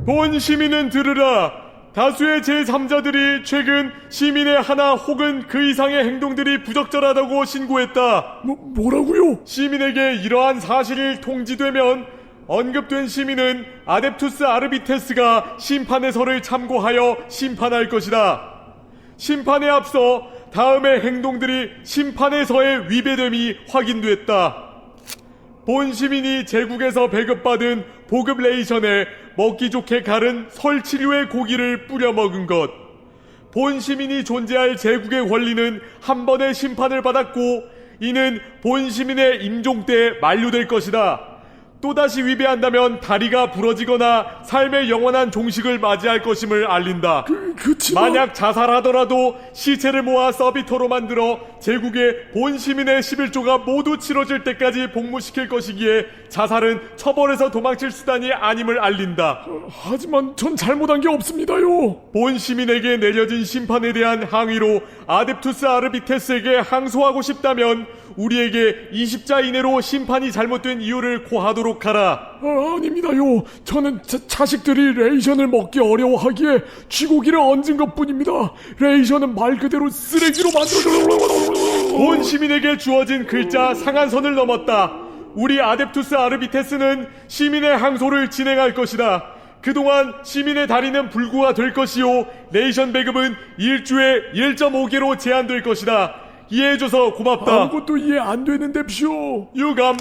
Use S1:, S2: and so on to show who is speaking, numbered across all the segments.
S1: 본 시민은 들으라. 다수의 제3자들이 최근 시민의 하나 혹은 그 이상의 행동들이 부적절하다고 신고했다.
S2: 뭐라고요?
S1: 시민에게 이러한 사실이 통지되면 언급된 시민은 아뎁투스 아르비테스가 심판의 서를 참고하여 심판할 것이다. 심판에 앞서 다음의 행동들이 심판의 서에 위배됨이 확인됐다. 본 시민이 제국에서 배급받은 보급 레이션에 먹기 좋게 갈은 설치류의 고기를 뿌려 먹은 것. 본 시민이 존재할 제국의 권리는 한 번의 심판을 받았고 이는 본 시민의 임종 때 만료될 것이다. 또다시 위배한다면 다리가 부러지거나 삶의 영원한 종식을 맞이할 것임을 알린다.
S2: 그치만
S1: 만약 자살하더라도 시체를 모아 서비터로 만들어 제국의 본 시민의 11조가 모두 치러질 때까지 복무시킬 것이기에 자살은 처벌에서 도망칠 수단이 아님을 알린다.
S2: 하지만 전 잘못한 게 없습니다요.
S1: 본 시민에게 내려진 심판에 대한 항의로 아뎁투스 아르비테스에게 항소하고 싶다면 우리에게 20자 이내로 심판이 잘못된 이유를 고하도록 하라.
S2: 아닙니다요. 저는 자식들이 레이션을 먹기 어려워하기에 쥐고기를 얹은 것뿐입니다. 레이션은 말 그대로 쓰레기로 만들어져.
S1: 본 시민에게 주어진 글자 상한선을 넘었다. 우리 아뎁투스 아르비테스는 시민의 항소를 진행할 것이다. 그동안 시민의 다리는 불구가 될 것이요 레이션 배급은 일주에 1.5개로 제한될 것이다. 이해해줘서 고맙다.
S2: 아무것도 이해 안 되는데쇼.
S1: 유감.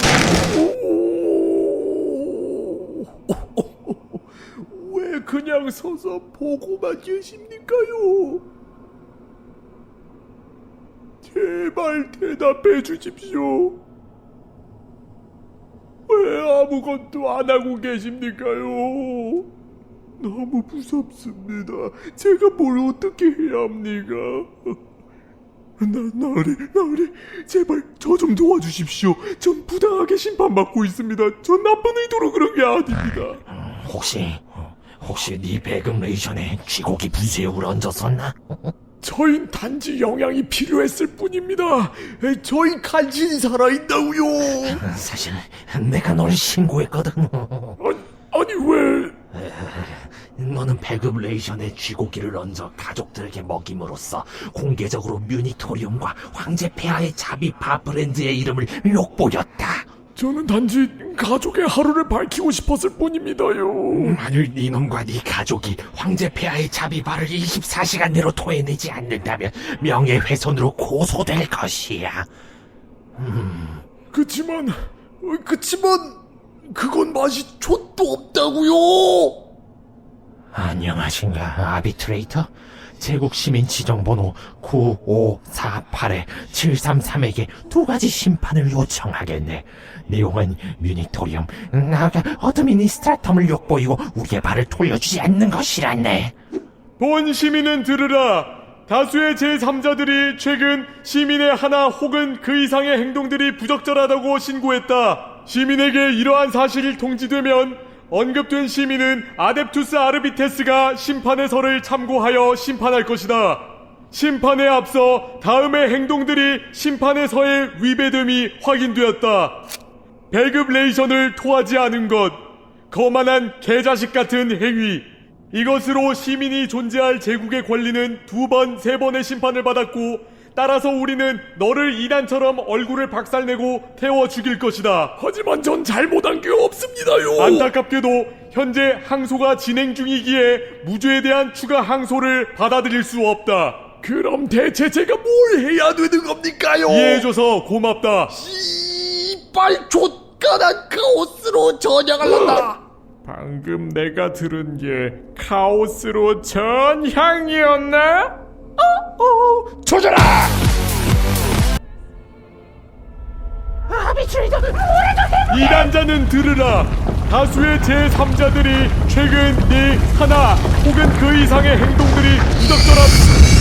S2: 왜 그냥 서서 보고만 계십니까요? 제발 대답해 주십시오. 왜 아무것도 안 하고 계십니까요? 너무 무섭습니다. 제가 뭘 어떻게 해야 합니까? 나으리, 제발 저 좀 도와주십시오. 전 부당하게 심판받고 있습니다. 전 나쁜 의도로 그런 게 아닙니다.
S3: 혹시 네 배급 레이션에 쥐고기 분수액을 얹었었나?
S2: 저흰 단지 영양이 필요했을 뿐입니다. 저희 간신히 살아있다고요.
S3: 사실 내가 널 신고했거든.
S2: 아니 왜?
S3: 너는 배급 레이션에 쥐고기를 얹어 가족들에게 먹임으로써 공개적으로 뮤니토리움과 황제 폐하의 자비 바브랜드의 이름을 욕보였다.
S2: 저는 단지 가족의 하루를 밝히고 싶었을 뿐입니다요.
S3: 만일 네 놈과 네 가족이 황제 폐하의 자비바를 24시간 내로 토해내지 않는다면 명예훼손으로 고소될 것이야.
S2: 그치만 그건 맛이 좆도 없다고요.
S3: 안녕하신가, 아비트레이터? 제국 시민 지정번호 9548-733에게 두 가지 심판을 요청하겠네. 내용은 뮤니토리움, 나아가 어드미니스트라텀을 욕보이고 우리의 발을 돌려주지 않는 것이란네.
S1: 본 시민은 들으라. 다수의 제3자들이 최근 시민의 하나 혹은 그 이상의 행동들이 부적절하다고 신고했다. 시민에게 이러한 사실이 통지되면 언급된 시민은 아뎁투스 아르비테스가 심판의 서를 참고하여 심판할 것이다. 심판에 앞서 다음의 행동들이 심판의 서에 위배됨이 확인되었다. 배급 레이션을 토하지 않은 것, 거만한 개자식 같은 행위. 이것으로 시민이 존재할 제국의 권리는 2번, 3번의 심판을 받았고 따라서 우리는 너를 이단처럼 얼굴을 박살내고 태워 죽일 것이다.
S2: 하지만 전 잘못한 게 없습니다요.
S1: 안타깝게도 현재 항소가 진행 중이기에 무죄에 대한 추가 항소를 받아들일 수 없다.
S2: 그럼 대체 제가 뭘 해야 되는 겁니까요?
S1: 이해해줘서 고맙다.
S2: 씨발 좆간한 카오스로 전향할란다.
S1: 방금 내가 들은 게 카오스로 전향이었나?
S2: 조져라!
S3: 아비트레이터,
S1: 이단자는 들으라. 다수의 제3자들이 최근 네 하나 혹은 그 이상의 행동들이 부적절한